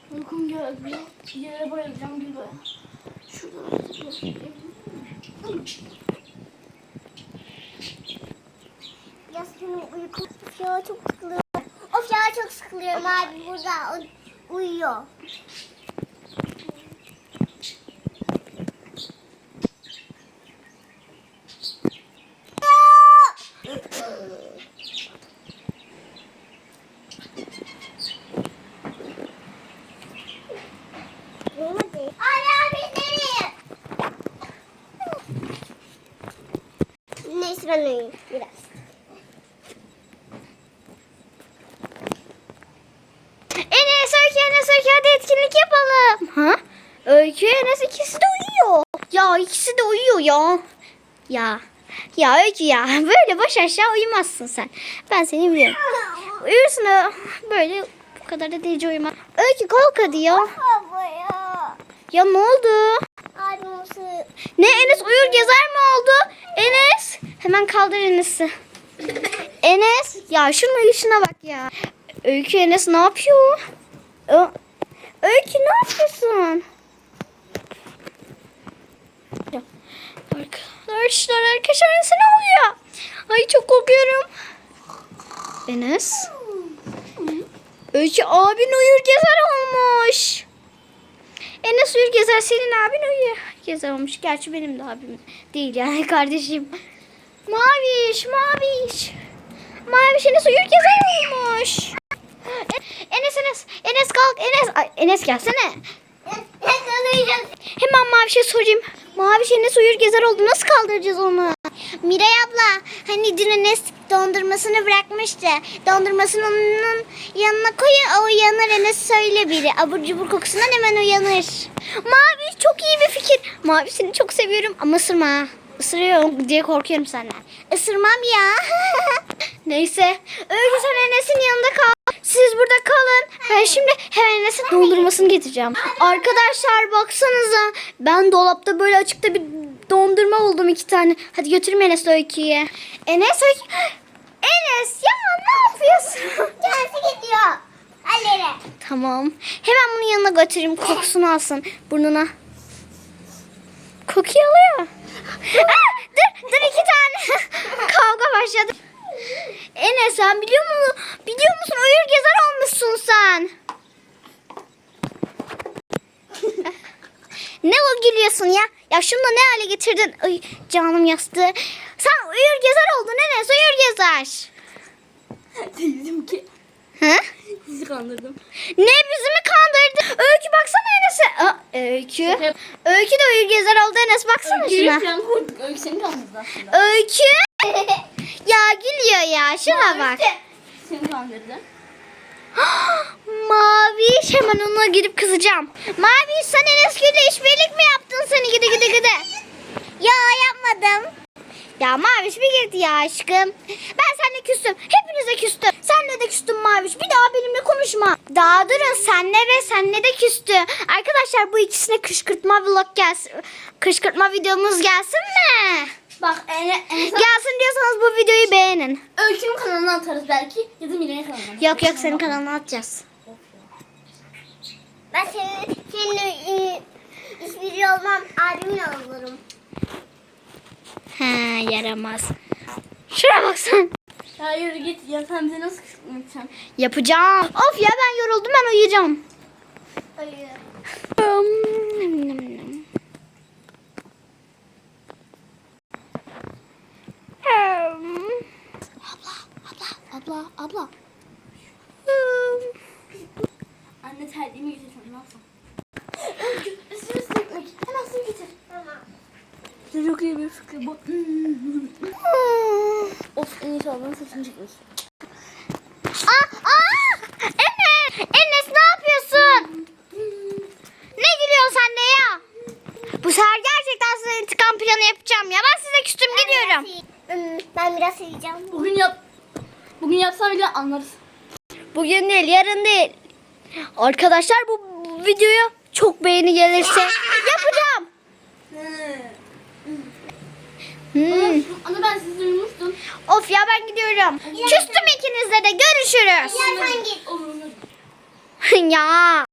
Uykum geldi. Bir yere bayılacağım gibi. Şurada. Yasmin'in uyku. Of ya çok sıkılıyorum. Of ya çok sıkılıyorum abi burada uyuyor. Neyse ben uyuyayım biraz. Enes Öykü hadi etkinlik yapalım. Ha? Öykü Enes ikisi de uyuyor. Ya ikisi de uyuyor ya. Ya Öykü ya böyle baş aşağı uyumazsın sen. Ben seni biliyorum. Uyursun böyle bu kadar da delice uyuma. Öykü kalk hadi ya. Baba ya. Ya ne oldu? Abi nasıl? Ne Enes uyur gezer mi oldu? Enes hemen kaldır Enes'i. Enes ya şunun uyuşuna bak ya. Öykü Enes ne yapıyor? Öykü ne yapıyorsun? Arkadaşlar Enes'e ne oluyor? Ay çok korkuyorum. Enes. Öykü abin uyur gezer olmuş. Enes uyur gezer senin abin uyur gezer olmuş. Gerçi benim de abim değil yani kardeşim. Maviş Enes uyur gezer olmuş. Enes kalk Enes gelsene. Hemen Maviş'e sorayım. Maviş Enes uyur gezer oldu. Nasıl kaldıracağız onu? Miray abla hani dün Enes dondurmasını bırakmıştı. Dondurmasını onun yanına koyun o uyanır Enes söyle biri. Abur cubur kokusundan hemen uyanır. Maviş çok iyi bir fikir. Maviş seni çok seviyorum ama ısırma. Isırıyorum diye korkuyorum senden. Isırmam ya. Neyse. Öykü sen Enes'in yanında kal. Siz burada kalın. Ben şimdi hemen Enes'in dondurmasını getireceğim. Arkadaşlar baksanıza. Ben dolapta böyle açıkta bir dondurma buldum 2 tane. Hadi götüreyim Enes'le Öykü'ye. Enes ya ne yapıyorsun? Kendisi gidiyor. Hallere. Tamam. Hemen bunun yanına götüreyim. Kokusunu alsın burnuna. Kokuyu alıyor. Dur 2 tane. Kavga başladı. Enes sen biliyor musun uyur gezer olmuşsun sen. Ne o gülüyorsun ya? Ya şunu da ne hale getirdin? Ay canım yastığı. Sen uyur gezer oldun Enes uyur gezer. Dedim ki. Hı? Sizi kandırdım. Ne bizi mi kandırdın? Öykü baksana Enes'e. Öykü. Öykü de uyur gezer oldu Enes baksana şuna. Öykü seni kandırdı aslında. Öykü. Ya gülüyor ya şuna bak. Seni kandırdı. Maviş hemen ona gidip kızacağım. Maviş sen Enes'le işbirlik mi yaptın seni gide. Ya yapmadım. Ya Maviş bir girdi ya aşkım. Ben seninle küstüm. Hepinize küstüm. Senle de küstüm Maviş. Bir daha benimle konuşma. Daha durun senle de küstü. Arkadaşlar bu ikisine kışkırtma vlog gelsin. Kışkırtma videomuz gelsin mi? Bak Gelsin diyorsanız bu videoyu beğenin. Öykü'nün kanalına atarız belki. Ya da Miray'ın kanalına. Yok senin kanalına atacağız. Ben senin hiçbiri olmam. Abimin olurum. He yaramaz. Şuna baksan. Ya yürü git ya sen bize nasıl kışkırtmayacaksın? Yapacağım. Of ya ben yoruldum ben uyuyacağım. Hayır. Abla. Anne terliğimi getirsin ne yapsam? Öykü üstüne sürtmek. Hemen su getir. Tamam. Çok iyi bir fikir bu. Of en iyisi ablanın saçını çekmiş. Enes ne yapıyorsun? Ne gülüyorsun sen de ya? Bu sefer gerçekten size intikam planı yapacağım ya. Ben size küstüm gidiyorum. Ben biraz yiyeceğim. Bugün yapsam bile anlarız. Bugün değil yarın değil. Arkadaşlar bu videoya çok beğeni gelirse yapacağım. Ana ben sizi duymuştum. Of ya ben gidiyorum. Küstüm ikinizle de görüşürüz. Ya sen git. Olur. Ya.